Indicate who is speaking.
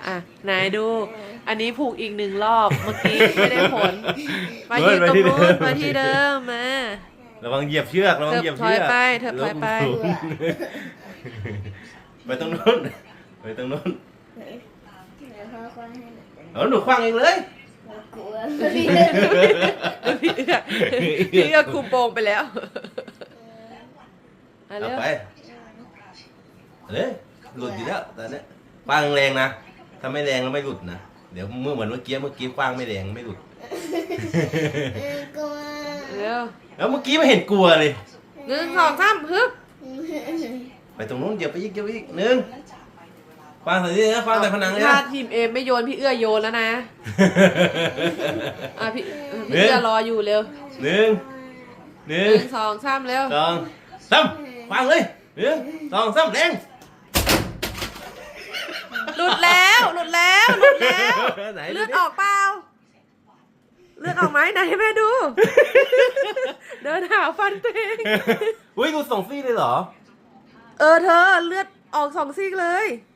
Speaker 1: อ่ะนายดู อันนี้ผูกอีก1 รอบเมื่อกี้ไม่ได้ผลมายืนตรงนู้นมาที่เดิมมา
Speaker 2: ระวังเหยียบเชือกระวังเหยียบเชือก
Speaker 1: เถิบถอยไป
Speaker 2: ไปตรงนู้นไปตรงนู้น
Speaker 3: แล้วพ่อคว้าให้หนู
Speaker 2: เอาหนูคว้างเองเลย
Speaker 3: เรากลัว
Speaker 1: พี่เอื้อคุมโปงไปแล้วอ่ะ
Speaker 2: เอา
Speaker 1: เร็ว
Speaker 2: ไปเลยหลุดอยู่แล้วตอนนี้คว้างแรงนะถ้าไม่แรงแล้วไม่หลุดนะเดี๋ยวเหมือนเมื่อกี้คว้างไม่แรงไม่หลุด
Speaker 3: กลัว
Speaker 1: เร็ว
Speaker 2: แล้วเมื่อกี้ไม่เห็นกลัวเลย
Speaker 1: 1 2 3ฮึบ
Speaker 2: ไปตรงนู้นเหยียบไปอีกหนึ่งคว้างใส่นี่นะคว้างใส่ผนังเลย
Speaker 1: ถ้า
Speaker 2: นะ
Speaker 1: ทีมเอไม่โยนพี่เอื้อโยนแล้วนะอ่ะพี่เอื้อรออยู่เร็ว
Speaker 2: หนึ่ง
Speaker 1: 1 2 3เร็ว
Speaker 2: สองสามคว้างเลยหนึ่งสองสามแรง
Speaker 1: หลุดแล้ว
Speaker 2: ไหน
Speaker 1: เลือดออกเปล่าเลือดออกไหมไหนให้แม่ดู เดินหาฟันตัวเอง
Speaker 2: อุ้ยกูส่งฟรีเลยเหรอ
Speaker 1: เธอเลือดออก2 ซี่เลย